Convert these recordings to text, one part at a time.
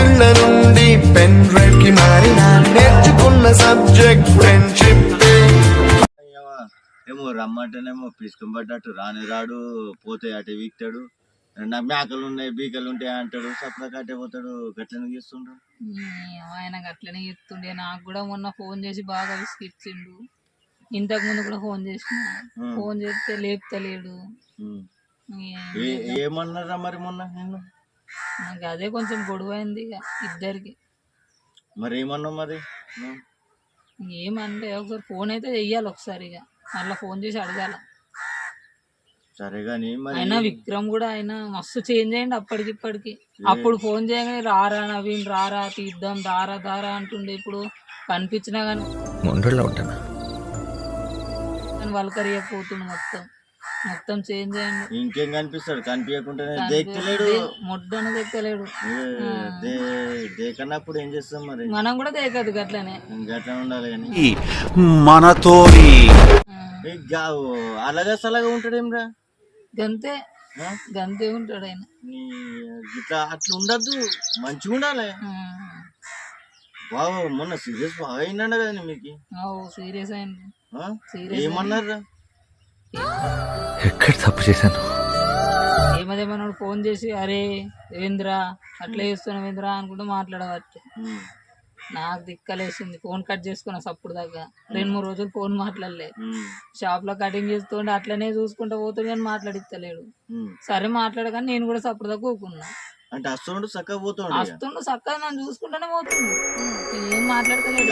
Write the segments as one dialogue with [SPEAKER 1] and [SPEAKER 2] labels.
[SPEAKER 1] ఏళ్ళ నుండి pen drive కి మారిన నేర్చుకున్న సబ్జెక్ట్ ఫ్రెండ్షిప్.
[SPEAKER 2] ఏమో రమ్మంటేనేమో పిసుకుపడ్డట్టు రాని రాడు, పోతే అటే వీక్తాడు. నాకు మేకలు ఉన్నాయి బీకలు ఉంటాయి అంటాడు, సప్ల కట్టే పోతాడు. గట్లనే చేస్తుండ్రు.
[SPEAKER 3] ఆయన గట్లనే చెప్తుండే. నాకు కూడా మొన్న ఫోన్ చేసి బాగా విసిగిచ్చిండు. ఇంతకు ముందు కూడా ఫోన్ చేసిన, ఫోన్ చేస్తే లేపుతలేడు.
[SPEAKER 2] ఏమన్నారా మరి మొన్న నేను?
[SPEAKER 3] నాకు అదే కొంచెం గొడవ అయింది ఇక ఇద్దరికి.
[SPEAKER 2] మరి ఏమన్నావు మరి?
[SPEAKER 3] ఏమంటే ఒకసారి ఫోన్ అయితే చెయ్యాలి, ఒకసారి ఇక మళ్ళీ ఫోన్ చేసి అడగాల.
[SPEAKER 2] సరే గాని మరి
[SPEAKER 3] అయినా విక్రమ్ కూడా ఆయన మస్తు చేంజ్ అయ్యండి అప్పటికి ఇప్పటికి. అప్పుడు ఫోన్ చేయగానే రారా నవీన్ రారా తీద్దాం దారా దారా అంటుండే. ఇప్పుడు కనిపించినా కానీ వల్కరియకపోతుండు. మొత్తం మొత్తం చేంజ్ అయ్యండి.
[SPEAKER 2] ఇంకేం కనిపిస్తాడు? కనిపించకుండానే దేక్కలేడు,
[SPEAKER 3] మొడ్డను దేక్కలేడు.
[SPEAKER 2] దేకన్నప్పుడు ఏం చేస్తాం మరి?
[SPEAKER 3] మనం కూడా దేకదు గట్లనే,
[SPEAKER 2] గట్లా ఉండాలి. కానీ
[SPEAKER 4] మనతో
[SPEAKER 2] అలాగా సలాగా ఉంటాడేమ్రా?
[SPEAKER 3] గంతే గంతే ఉంటాడు ఆయన.
[SPEAKER 2] ఇట్లా అట్లా ఉండద్దు, మంచిగా ఉండాలి. బాగా మొన్న సీరియస్ బాగా అయిందండ కదా మీకు?
[SPEAKER 3] సీరియస్ అయింది.
[SPEAKER 2] ఏమన్నారా?
[SPEAKER 4] ఎక్కడ తప్పు చేశాను?
[SPEAKER 3] ఏమదేమన్నాడు ఫోన్ చేసి, అరే రవీంద్ర అట్లా చేస్తున్నావు రవీంద్ర అనుకుంటూ మాట్లాడవచ్చు. నాకు దిక్కలేసింది. ఫోన్ కట్ చేసుకున్నా సప్పుడు దాకా. 2-3 రోజులు ఫోన్ మాట్లాడలే. షాప్ లో కటింగ్ చేస్తుంటే అట్లనే చూసుకుంటూ పోతుంది కానీ మాట్లాడిస్తలేడు. సరే మాట్లాడగానే నేను కూడా సప్పుడు దాకా ఊకున్నా.
[SPEAKER 2] అంటే వస్తుండు చక్కగా పోతుండు,
[SPEAKER 3] వస్తుండు చక్కగా నన్ను చూసుకుంటూనే పోతుంది. ఏం మాట్లాడతలేడు.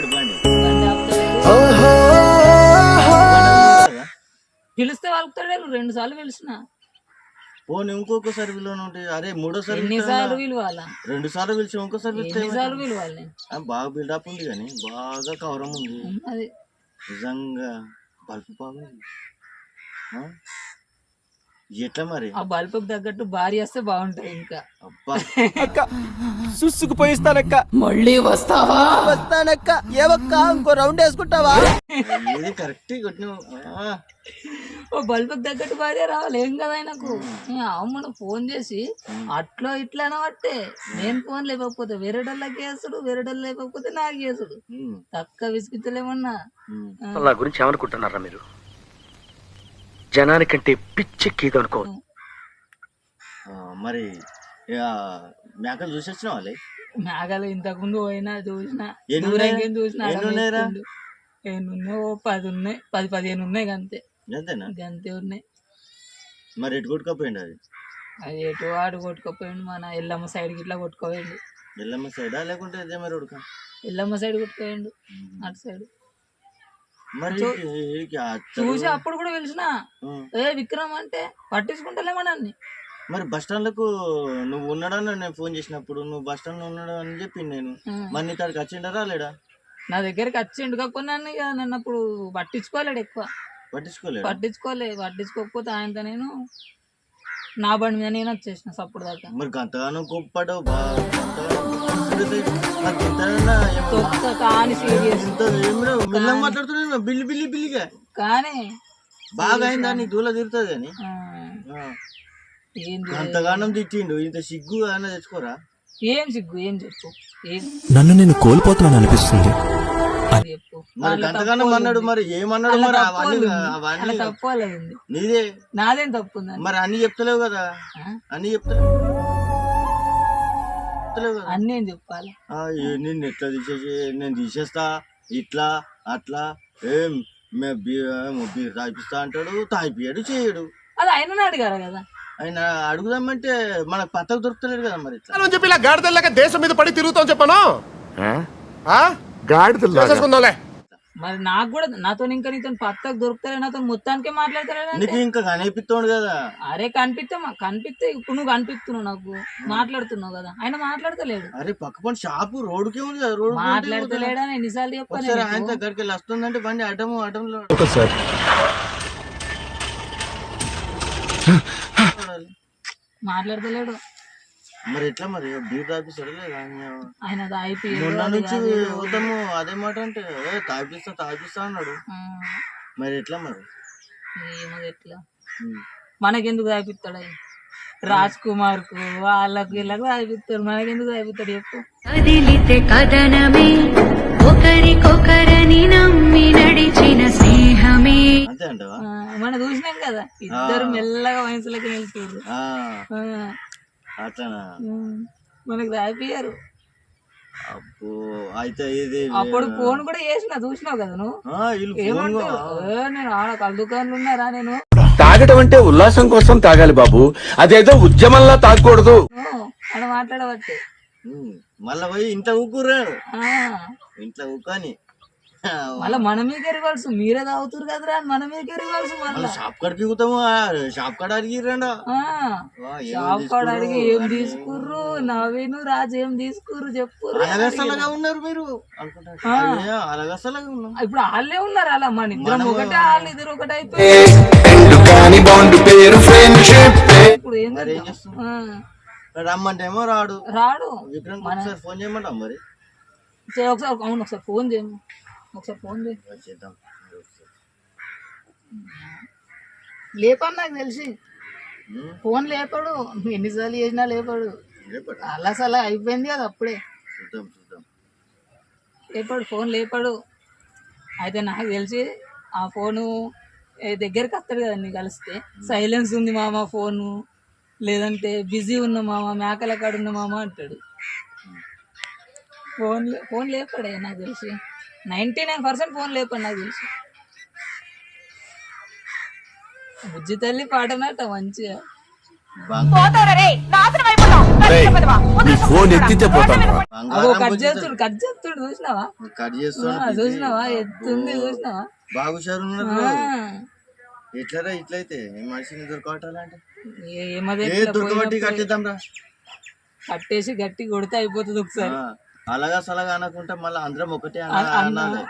[SPEAKER 3] పిలిస్తే వాళ్ళకుతాడు. 2 సార్లు పిలిచిన.
[SPEAKER 2] పోనీ ఇంకొకసారి విలువను ఉంటాయి. అరే మూడోసారి
[SPEAKER 3] ఎన్నిసార్లు పిలవాలా?
[SPEAKER 2] 2 సార్లు పిలిచి ఇంకోసారి
[SPEAKER 3] ఎన్నిసార్లు పిలవాలి?
[SPEAKER 2] బాగా బిల్డప్ ఉంది కానీ బాగా కవరం ఉంది.
[SPEAKER 3] అది
[SPEAKER 2] నిజంగా బల్బు బాగుంది. ఎట్లా మరి?
[SPEAKER 3] ఆ బల్బు తగ్గట్టు భార్య వస్తే బాగుంటాయి. ఇంకా
[SPEAKER 2] అబ్బా
[SPEAKER 4] సుసుకుపోయిస్తానక్క.
[SPEAKER 3] మళ్ళీ వస్తావా?
[SPEAKER 4] వస్తానక్క. ఏవక్క ఇంకో రౌండ్ వేసుకుంటావా?
[SPEAKER 2] ఇది కరెక్ట్ కొట్టినావు.
[SPEAKER 3] ఓ బల్బు తగ్గట్టు భార్య రావాలి. ఏం కదా ఆయనకు. అమ్మను ఫోన్ చేసి అట్లా ఇట్లా అనబట్టే నేను ఫోన్ లేకపోతే వేరేటోళ్ళకి వేసుడు, వేరేటోళ్ళు లేకపోతే నాకు వేసుడు. తక్కువ విసిగితలేమన్నా.
[SPEAKER 4] నా గురించి ఏమనుకుంటున్నారా మీరు? జనానికంటే పిచ్చెక్కిది అనుకో.
[SPEAKER 2] మరి మేకలు చూసొచ్చినా వాళ్ళే?
[SPEAKER 3] మేకలు ఇంతకు ముందు పోయినా చూసిన, చూసిన 10 ఉన్నాయి, 10-15 ఉన్నాయి. గంతే గంతే ఉన్నాయి.
[SPEAKER 2] మరి ఎటు కొట్టుకపోయింది అది?
[SPEAKER 3] అది ఎటు వాడు కొట్టుకపోయిండు. మన ఎల్లమ్మ సైడ్ గిట్లా కొట్టుకోపోయిండు.
[SPEAKER 2] ఎల్లమ్మ సైడా లేకుంటే
[SPEAKER 3] ఎల్లమ్మ సైడ్ కొట్టుకోపోయిండు, అటు సైడ్.
[SPEAKER 2] మరి
[SPEAKER 3] చూసి అప్పుడు కూడా పిలిచిన, ఏ విక్రమ్ అంటే పట్టించుకుంటలేమని.
[SPEAKER 2] మరి బస్ స్టాండ్లకు నువ్వు ఉన్నాడని నేను ఫోన్ చేసినప్పుడు నువ్వు బస్ స్టాండ్ లో ఉన్నాడు అని చెప్పింది నేను. మరి నీ కాడికి వచ్చిండా రాలేడా?
[SPEAKER 3] నా దగ్గరికి వచ్చిండు కాకుండా నన్ను అప్పుడు పట్టించుకోలేడు. ఎక్కువ పట్టించుకోకపోతే ఆయనతో నేను నా బండి మీద నేను వచ్చేసిన సప్పుడు దాకా.
[SPEAKER 2] మరి గంతగానో గొప్పడు
[SPEAKER 3] కానీ సీరియస్
[SPEAKER 2] మాట్లాడుతున్నా బిల్లి బిల్లి బిల్లిగా.
[SPEAKER 3] కానీ
[SPEAKER 2] బాగా అయిందా నీకు? దూల తిరుగుతుంది కానీ అంతగానం తిట్టిండు. ఇంత సిగ్గు అన్న తెచ్చుకోరా?
[SPEAKER 3] ఏం సిగ్గు? ఏం చెప్పు?
[SPEAKER 4] నన్ను నేను కోల్పోతున్నాను అనిపిస్తుంది.
[SPEAKER 2] మరి అంతగానం అన్నాడు. మరి ఏమన్నాడు? మరి అవన్నీ
[SPEAKER 3] తప్పలేదు.
[SPEAKER 2] నీదే
[SPEAKER 3] నాదేం తప్పు?
[SPEAKER 2] మరి అన్ని చెప్తలేవు కదా? అన్ని చెప్తలేవు కదా?
[SPEAKER 3] అన్ని ఏం చెప్పాలి?
[SPEAKER 2] నిన్ను ఎట్లా తీసేసి నేను తీసేస్తా ఇట్లా అట్లా. ఏం బీర్ తాగిపిస్తా అంటాడు, తాగిపియాడు, చేయడు.
[SPEAKER 3] అది ఆయన అడిగారు కదా.
[SPEAKER 2] ఆయన అడుగుదామంటే మనకు పత్తకు దొరుకుతలేడు కదా. మరి
[SPEAKER 5] చెప్పి ఇలా గాడిదల్లాగా దేశం మీద పడి తిరుగుతాం చెప్పాను.
[SPEAKER 3] మరి నాకు కూడా నాతో ఇంకా నీతో పత్తకు దొరుకుతారే, నాతో మొత్తానికే మాట్లాడతాడు.
[SPEAKER 2] నీకు ఇంకా కనిపిస్తాడు కదా.
[SPEAKER 3] అరే కనిపిస్తే ఇప్పుడు నువ్వు కనిపిస్తున్నావు, నాకు మాట్లాడుతున్నావు కదా. ఆయన మాట్లాడతలేడు.
[SPEAKER 2] అరే పక్క పని షాపు రోడ్డుకే ఉంది కదా. రోడ్డు
[SPEAKER 3] మాట్లాడతలేడా? ఎన్నిసార్లు చెప్పాను.
[SPEAKER 2] ఆయన దగ్గరికి వెళ్ళి వస్తుందంటే బండి అడ్డంలో
[SPEAKER 3] మాట్లాడతలేడు.
[SPEAKER 2] మరి ఎట్లా మరి బీర్ తాపిస్తాడు లేదా?
[SPEAKER 3] ఆయన
[SPEAKER 2] మొన్న నుంచి వద్దాము అదే మాట అంటే తాపిస్తా అన్నాడు. మరి ఎట్లా మరి?
[SPEAKER 3] ఎట్లా మనకెందుకు తాపిస్తాడు? రాజ్ కుమార్ కు వాళ్ళకు వీళ్ళకు అయిపోతారు, మనకెందుకు అయిపోతాడు చెప్పు.
[SPEAKER 6] కదిలితే కథనమే ఒకరికొకరని నమ్మి నడిచిన స్నేహమే.
[SPEAKER 2] అంతే అంటావా?
[SPEAKER 3] మనం చూసినాం కదా ఇద్దరు మెల్లగా వయసులకి వెళ్తారు.
[SPEAKER 2] అట్లనా?
[SPEAKER 3] మనకు దాపియారు.
[SPEAKER 2] అబ్బో అయితే ఇది
[SPEAKER 3] అప్పుడు ఫోన్ కూడా చేసిన చూసినావు కదా నువ్వు. ఏమంటావు నేను ఆడ కళ్ళ దుకాణాలు ఉన్నారా నేను
[SPEAKER 7] తాగటం అంటే ఉల్లాసం కోసం తాగాలి బాబు, అదేదో ఉద్యమంలా తాగకూడదు
[SPEAKER 3] అని మాట్లాడబట్టే.
[SPEAKER 2] మళ్ళా పోయి ఇంట్లో ఊకుర్రాడు, ఇంట్లో ఊకొని
[SPEAKER 3] మళ్ళా మన మీద రివర్స్ మీరే తాగుతారు కదరా అని మన మీద రివర్స్. మళ్ళా
[SPEAKER 2] షాప్ కాడికి ఊతాము, షాప్ కాడ అడిగిరండా,
[SPEAKER 3] షాప్ కాడ అడిగి ఏం తీసుకుర్రు, నవీను రాజు ఏం తీసుకుర్రు చెప్పు.
[SPEAKER 2] అలగసలాగా ఉన్నారు మీరు అనుకుంటారు, అలగసలాగా ఉన్నాం.
[SPEAKER 3] ఇప్పుడు వాళ్ళే ఉన్నారు అలా, మన ఇద్దరం ఒకటే, వాళ్ళు ఇద్దరు ఒకటే అయిపోయి. ఇప్పుడు ఏం
[SPEAKER 2] రమ్మంటే ఏమో రాడు. విక్రమ్ ఒకసారి ఫోన్ చేయమంటాం మరి.
[SPEAKER 3] ఒకసారి అవును ఒకసారి ఫోన్ చేయము, ఒకసారి ఫోన్
[SPEAKER 2] చేద్దాం.
[SPEAKER 3] లేపాడు నాకు తెలిసి, ఫోన్ లేపాడు, ఎన్నిసార్లు చేసినా లేపాడు. అలా సలా అయిపోయింది కదా అప్పుడే. లేపాడు, ఫోన్ లేపాడు. అయితే నాకు తెలిసి ఆ ఫోను దగ్గరికి వస్తాడు కదా నీ కలిస్తే, సైలెన్స్ ఉంది మామ ఫోను, లేదంటే బిజీ ఉన్న మామ, మేకల కాడ ఉన్న మామ అంటాడు. ఫోన్ లేపాడే నాకు తెలిసి, 99% ఫోన్ లేపాడు నాకు తెలిసి. బుజ్జి తల్లి పాటనట మంచిగా. కట్ చేస్తుడు చూసినావా, చూసినావా ఎత్తుంది చూసినావా.
[SPEAKER 2] బాగు సార్ ఎట్లరా ఇట్లయితే మనిషిని దొరకటాలంటే కట్టేద్దాం రా,
[SPEAKER 3] కట్టేసి గట్టి కొడితే అయిపోతుంది ఒకసారి.
[SPEAKER 2] అలాగా సలగా అనకుంటే మళ్ళీ అందరం ఒకటే అనాలి.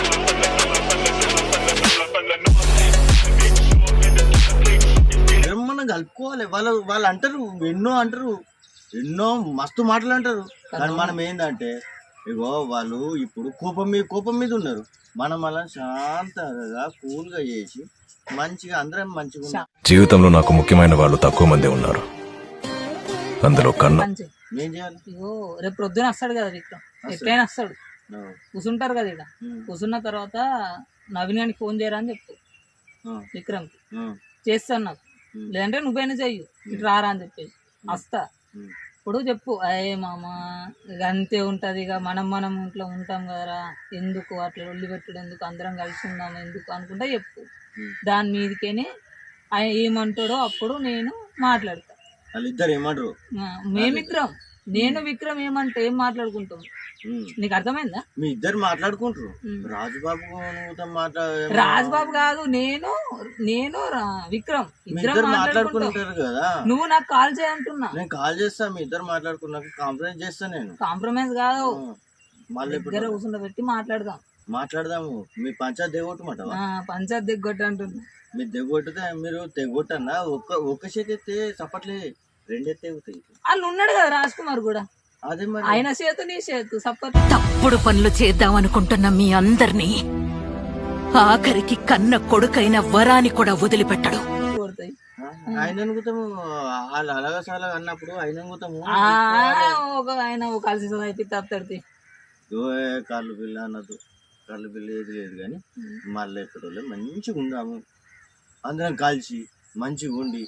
[SPEAKER 2] మనం కలుపుకోవాలి. వాళ్ళు అంటారు ఎన్నో మస్తు మాటలు అంటారు, కానీ మనం ఏంటంటే ఇగో వాళ్ళు ఇప్పుడు కోపం మీద ఉన్నారు, మనం అలా శాంతంగా కూల్గా చేసి మంచిగా అందరం మంచిగా ఉన్నాం.
[SPEAKER 8] జీవితంలో నాకు ముఖ్యమైన వాళ్ళు తక్కువ మంది ఉన్నారు, అందులో కన్నా.
[SPEAKER 2] ఏం చేయాలి?
[SPEAKER 3] ఇగో రేపు ప్రొద్దున వస్తాడు కదా విక్రమ్, ఎట్లయినా వస్తాడు, కూర్చుంటారు కదా ఇక్కడ. కూర్చున్న తర్వాత నవీన్ గారికి ఫోన్ చేయరా అని చెప్పు విక్రమ్, చేస్తాను నాకు, లేదంటే నువ్వైనా చెయ్యు, ఇటు రారా అని చెప్పేసి వస్తా. ఇప్పుడు చెప్పు, అయ్యే మామ ఇక అంతే ఉంటుంది, ఇక మనం ఇంట్లో ఉంటాం కదరా, ఎందుకు అట్లా ఒళ్ళి పెట్టడం ఎందుకు, అందరం కలిసి ఉందాం ఎందుకు అనుకుంటా చెప్పు. దాని మీదకేనే ఆయన ఏమంటాడో అప్పుడు నేను మాట్లాడతా.
[SPEAKER 2] వాళ్ళిద్దరు ఏమంటారు,
[SPEAKER 3] మేమిద్దరం నేను విక్రమ్ ఏమంటే ఏం మాట్లాడుకుంటాం, నీకు అర్థమైందా?
[SPEAKER 2] మీ ఇద్దరు మాట్లాడుకుంటారు. రాజుబాబు
[SPEAKER 3] రాజుబాబు కాదు, నేను విక్రమ్ ఇద్దరు
[SPEAKER 2] మాట్లాడుకుంటారు కదా.
[SPEAKER 3] నువ్వు నాకు కాల్ చేయంటున్నా,
[SPEAKER 2] నేను కాల్ చేస్తా, మీ ఇద్దరు మాట్లాడుకున్నాక కాంప్రమైజ్ చేస్తా. నేను
[SPEAKER 3] కాంప్రమైజ్ కాదు, మళ్ళీ ఇద్దరు కూర్చుండబెట్టి మాట్లాడదాము. మీ పంచాయత్ దిగొట్టమాట, పంచాయత్ దిగొట్టు అంటున్నా.
[SPEAKER 2] మీరు దిగొట్టితే మీరు తెగొట్టన్నా ఒక్క చేతి ఎత్తే చప్పట్లే, రెండెత్తే ఎగుతాయి.
[SPEAKER 3] వాళ్ళు ఉన్నాడు కదా రాజ్ కుమార్ కూడా,
[SPEAKER 2] అదే మరి
[SPEAKER 3] ఆయన చేతు నీ చేతు సప్పట్.
[SPEAKER 6] తప్పుడు పనులు చేద్దాం అనుకుంటున్న మీ అందరినీ ఆఖరికి కన్న కొడుకైన వరాన్ని కూడా వదిలిపెట్టడు.
[SPEAKER 2] ఆయన అనుకుతాము, వాళ్ళు అలాగా చాలా అన్నప్పుడు ఆయన అనుకుతాము.
[SPEAKER 3] ఆయన కలిసి అయిపోయి తప్పి
[SPEAKER 2] కళ్ళు పిల్ల అన్నది, కళ్ళు పిల్ల ఏది లేదు, కానీ మళ్ళీ ఎక్కడో మంచిగా ఉందాము, అందరం కలిసి మంచిగా ఉండి.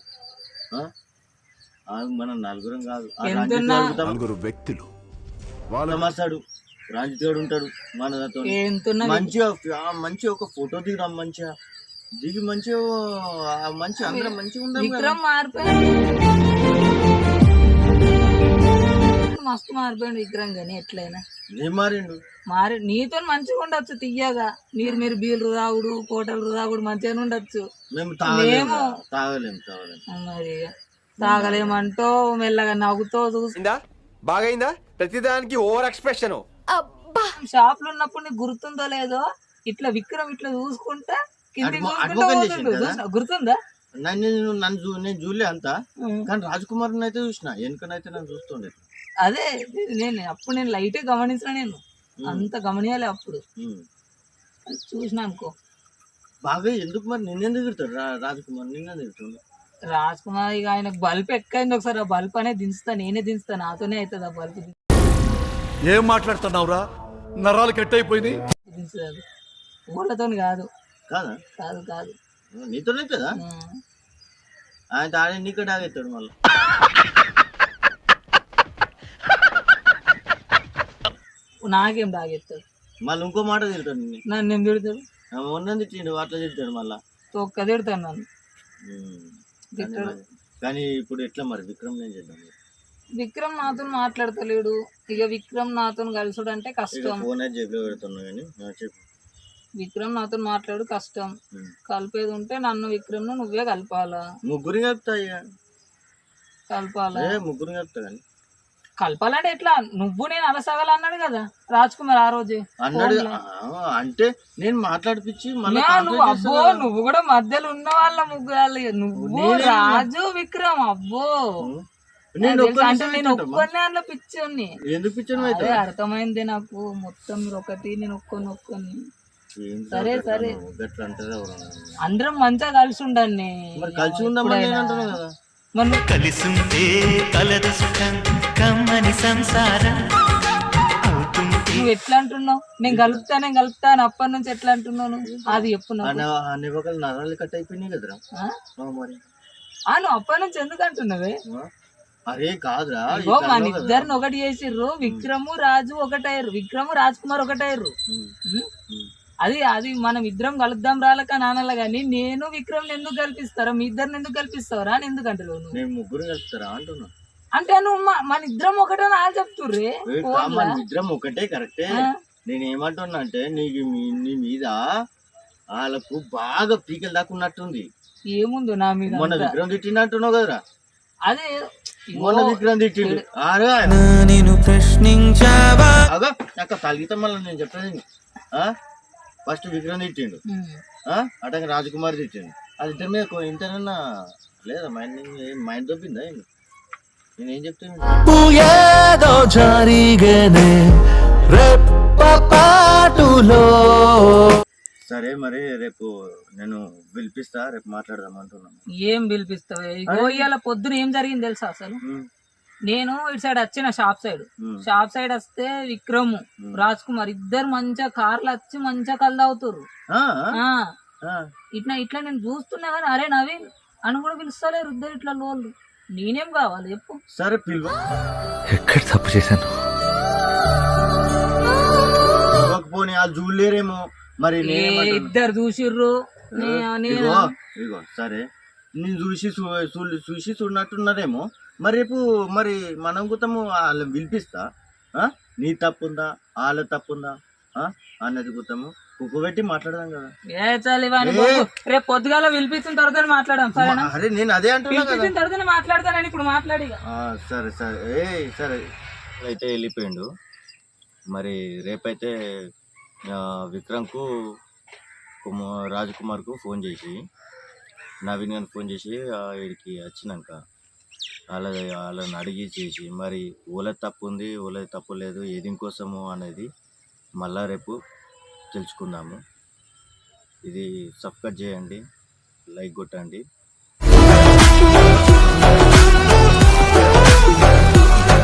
[SPEAKER 2] మనం నలుగురం కాదు,
[SPEAKER 5] నలుగురు వ్యక్తులు
[SPEAKER 2] మాస్తాడు, రాంజిత్ గారు ఉంటాడు మనతో, మంచిగా ఒక ఫోటో దిగుదాం, మంచిగా దిగి మంచిగా అందరం మంచిగా ఉందాం.
[SPEAKER 3] విక్రమ్ మారిపోయాడు, మస్తు మారిపోయాడు విక్రమ్, కానీ ఎట్లయినా
[SPEAKER 2] ఏం మారిండు,
[SPEAKER 3] నీతో మంచిగా ఉండొచ్చు, తీయగా మీరు బీర్లు తాగుడు కోటలు తాగుడు మంచిగా ఉండొచ్చు,
[SPEAKER 2] మేము తాగలేము
[SPEAKER 3] మరి తాగలేమంటో మెల్లగా నవ్వుతో చూసిందా
[SPEAKER 5] బాగైందా, ప్రతిదానికి ఓవర్ ఎక్స్ప్రెషన్.
[SPEAKER 3] షాప్ లో ఉన్నప్పుడు నీకు గుర్తుందో లేదో, ఇట్లా విక్రమ్ ఇట్లా చూసుకుంటా కిందికి గుర్తుందా?
[SPEAKER 2] నేను చూడలే అంతా, కానీ రాజ్ కుమార్ అయితే చూసిన, వెనుకనైతే నన్ను చూస్తుండే.
[SPEAKER 3] అదే అప్పుడు నేను లైట్ గమనించిన, నేను అంత గమనియాలి అప్పుడు చూసిన అనుకో.
[SPEAKER 2] బాగా ఎందుకు మరి నిన్నెందుకు తిడతాడు రాజ్ కుమార్, నిన్నెందుకు తిడుతుండు?
[SPEAKER 3] రాజ్ కుమార్ ఇక ఆయనకు బల్బ్ ఎక్కైంది ఒకసారి, ఆ బల్బ్ అనేది దించుతా, నేనే దించుతా, నాతోనే అవుతుంది ఆ బల్బ్
[SPEAKER 9] ఏం మాట్లాడుతున్నావురా, నరాలు కట్ అయిపోయింది.
[SPEAKER 3] దించదు, ఊళ్ళతో కాదు.
[SPEAKER 2] కాదా?
[SPEAKER 3] కాదు కాదు,
[SPEAKER 2] నీతోనే కదా ఆయన తాడే నీకు తాగెత్తాడు మళ్ళీ.
[SPEAKER 3] నాకేం తాగెత్తాడు,
[SPEAKER 2] మళ్ళీ ఇంకో మాట తిడతాడు నిన్ను.
[SPEAKER 3] నన్ను ఏం తిడతాడు,
[SPEAKER 2] మొన్న తిట్టిండు అట్లా తిడతాడు మళ్ళా.
[SPEAKER 3] తొక్క తిడతాడు నన్ను. తిట్టాడు.
[SPEAKER 2] కానీ ఇప్పుడు ఎట్లా మరి విక్రమ్ ఏం చేద్దాం?
[SPEAKER 3] విక్రమ్ నాతో మాట్లాడతలేడు, ఇక విక్రమ్ నాతో కలుసుడు అంటే కష్టం.
[SPEAKER 2] ఫోన్ అయితే జేబులో పెడుతున్నా కానీ చెప్పు.
[SPEAKER 3] విక్రమ్ నాతో మాట్లాడు కష్టం, కలిపేది ఉంటే నన్ను విక్రమ్ నువ్వే కలపాలా.
[SPEAKER 2] ముగ్గురు కలుపుతా ఇక.
[SPEAKER 3] కలపాలా?
[SPEAKER 2] ముగ్గురు కలుపుతా కానీ
[SPEAKER 3] కలపాలంటే ఎట్లా, నువ్వు నేను అలసగల అన్నాడు కదా రాజ్ కుమార్ ఆ రోజే
[SPEAKER 2] అన్నాడు. అంటే నేను మాట్లాడిపించి మళ్ళీ
[SPEAKER 3] నువ్వు అబ్బో నువ్వు కూడా మధ్యలో ఉన్న వాళ్ళ ముగ్గురు, నువ్వు రాజు విక్రమ్ అబ్బో
[SPEAKER 2] నేను
[SPEAKER 3] అంటే నేను ఒక్కనే అందులో పిచ్చోని.
[SPEAKER 2] ఎందుకు పిచ్చాను అయితే
[SPEAKER 3] అర్థమైంది నాకు, మొత్తం మీరు ఒకటి నేను ఒక్కొని. సరే సరే
[SPEAKER 2] గట్లా అంటారు
[SPEAKER 3] అందరం మంచిగా కలిసి ఉండండి.
[SPEAKER 2] మరి కలిసి ఉందామని నేను అంటున్నా కదా.
[SPEAKER 3] మరి
[SPEAKER 10] కలిసుంటే కలదు సుఖం కమ్మని సంసారం.
[SPEAKER 3] నువ్వు ఎట్లా అంటున్నావు, నేను కలుపుతా అని అప్పటి నుంచి ఎట్లా అంటున్నాను అది చెప్పు.
[SPEAKER 2] అన్ని నరాలు కట్ అయిపోయినాయి కదరా మరి.
[SPEAKER 3] నువ్వు అప్పటి నుంచి ఎందుకు అంటున్నావే?
[SPEAKER 2] అరే కాదురా,
[SPEAKER 3] మన ఇద్దరిని ఒకటి చేసిర్రు, విక్రము రాజు ఒకటయ్యారు, విక్రము రాజ్ కుమార్ ఒకటయ్యారు. అది మనం ఇద్దరం కలుద్దాం రాలక నాన్నలా గానీ నేను విక్రమ్ ఎందుకు కల్పిస్తారా, మీ ఇద్దరిని ఎందుకు కల్పిస్తావరా అని ఎందుకు అంటారు నువ్వు?
[SPEAKER 2] ముగ్గురు కలుపుతారా అంటున్నా.
[SPEAKER 3] అంటే నువ్వు మన ఇద్దరం ఒకటే నా చెప్తుర్రే.
[SPEAKER 2] ఇద్దరం ఒకటే కరెక్టే. నేను ఏమంటున్నా అంటే నీకు నీ మీద వాళ్ళకు బాగా పీకలు దాక్కున్నట్టుంది.
[SPEAKER 3] ఏముందో నా మీద?
[SPEAKER 2] మొన్న విక్రమ్ తిట్టిండు అంటున్నావు కదరా.
[SPEAKER 3] అదే
[SPEAKER 2] మొన్న విక్రమ్ తిట్టిండు.
[SPEAKER 10] నేను ప్రశ్నించావా
[SPEAKER 2] నాకు తలిగితే మళ్ళీ నేను చెప్పేది. ఫస్ట్ విక్రమ్ తిట్టిండు, అటంగా రాజకుమార్ తిట్టిండు. అది ఇద్దరి మీద ఇంతనన్నా లేదా మైండ్ దొబ్బిందా? నేనేం చెప్తాను, సరే మరి రేపు నేను పిలిపిస్తా, రేపు మాట్లాడదాం అంటున్నాను.
[SPEAKER 3] ఏం పిలిపిస్తావు? ఇవాళ పొద్దున ఏం జరిగింది తెలుసా? అసలు నేను ఇటు సైడ్ వచ్చిన షాప్ సైడ్ వస్తే విక్రమ్ రాజ్ కుమార్ ఇద్దరు మంచిగా కార్లు వచ్చి మంచిగా కళ్ళు అవుతారు. ఇట్లా నేను చూస్తున్నా కానీ అరే నవీన్ అని కూడా పిలుస్తలేరు ఇద్దరు ఇట్లా లోళ్ళు. నేనేం కావాలి చెప్పు?
[SPEAKER 2] సరే పిలువ.
[SPEAKER 10] ఎక్కడ తప్పు చేశాను?
[SPEAKER 2] పోనీ వాళ్ళు చూడలేరేమో మరి.
[SPEAKER 3] ఇద్దరు చూసిర్రు.
[SPEAKER 2] ఇగో సరే నేను చూసి చూడనట్టున్నారేమో మరి. రేపు మరి మనం గుతము వాళ్ళని పిలిపిస్తా. నీ తప్పుందా వాళ్ళ తప్పుందా అన్నది గుతము కుక్కబెట్టి మాట్లాడదాం కదా.
[SPEAKER 3] రేపు పొద్దుగాల పిలిపించిన తర్వాత మాట్లాడదాం సరేనా?
[SPEAKER 2] అరే నేను అదే అంటున్నా
[SPEAKER 3] తర్వాత మాట్లాడతానని ఇప్పుడు మాట్లాడి.
[SPEAKER 2] సరే సరే సరే అయితే వెళ్ళిపోయిండు. మరి రేపైతే విక్రమ్కు రాజ్ కుమార్కు ఫోన్ చేసి నవీన్ గారికి ఫోన్ చేసి వీడికి వచ్చినాక వాళ్ళని అడిగి చేసి మరి ఓల తప్పు ఉంది ఓల తప్పు లేదు ఏది కోసము అనేది మళ్ళా రేపు తెలుసుకుందాము. ఇది సబ్స్క్రైబ్ చేయండి, లైక్ కొట్టండి.